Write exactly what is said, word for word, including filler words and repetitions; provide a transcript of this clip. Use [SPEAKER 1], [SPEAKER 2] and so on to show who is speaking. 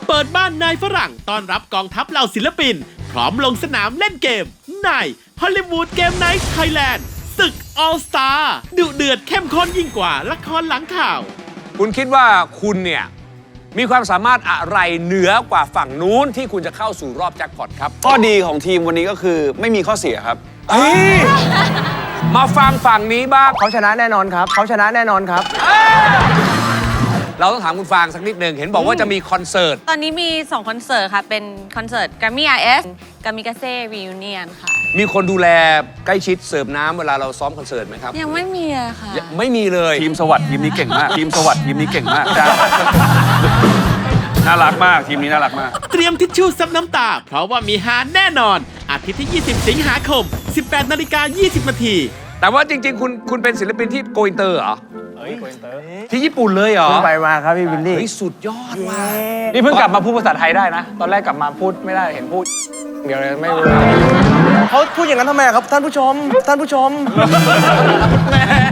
[SPEAKER 1] เปิดบ้านนายฝรั่งต้อนรับกองทัพเหล่าศิลปิน พร้อมลงสนามเล่นเกมในฮอลลีวูดเกมไนท์ไทยแลนด์ศึกออลสตาร์ดุเดือดเข้มข้นยิ่งกว่าละครหลังข่าว
[SPEAKER 2] คุณคิดว่าคุณเนี่ยมีความสามารถอะไรเหนือกว่าฝั่งนู้นที่คุณจะเข้าสู่รอบแจ็คพอตครับ
[SPEAKER 3] ข้อดีของทีมวันนี้ก็คือไม่มีข้อเสียครับ
[SPEAKER 2] เฮ้ยมาฟังฝั่งนี้บ้าง
[SPEAKER 4] เขาชนะแน่นอนครับ เขาชนะแน่นอนครับ
[SPEAKER 2] เราต้องถามคุณฟางสักนิดหนึ่งเห็นบอกว่าจะมีคอนเสิร์ต
[SPEAKER 5] ตอนนี้มีสองคอนเสิร์ตค่ะ เป็นคอนเสิร์ต Grammy อาร์ เอส Kamikaze Reunion ค่ะ
[SPEAKER 2] มีคนดูแลใกล้ชิดเสิร์ฟน้ำเวลาเราซ้อมคอนเสิร์ตไหมครับ
[SPEAKER 5] ยังไม่มีอะค่ะ
[SPEAKER 2] ยังไม่มีเลย
[SPEAKER 3] ทีมสวัสดิ์ทีมนี้เก่งมาก ทีมสวัสดิ์ทีมนี้เก่งมากจ้าน่ารักมากทีมนี้น่ารักมาก
[SPEAKER 1] เตรียมทิชชู่ซับน้ำตา เพราะว่ามีฮาแน่นอน อาทิตย์ที่ ยี่สิบ สิงหาคม สิบแปดนาฬิกายี่สิบนาที
[SPEAKER 2] แต่ว่าจริงๆ คุณคุณเป็นศิลปินที่โกอินเตอร์เหรอที่ญี่ปุ่นเลยเหรอ
[SPEAKER 4] เพิ่งไปมาครับพี่วิลลี่
[SPEAKER 2] เฮ้ยสุดยอดว่ะ
[SPEAKER 3] นี่เพิ่งกลับมาพูดภาษาไทยได้นะ ตอนแรกกลับมาพูดไม่ได้เห็นพูดเดี๋ยวเลยไม่รู้
[SPEAKER 4] เขาพูดอย่างนั้นทำไมครับท่านผู้ชม ท่านผู้ชม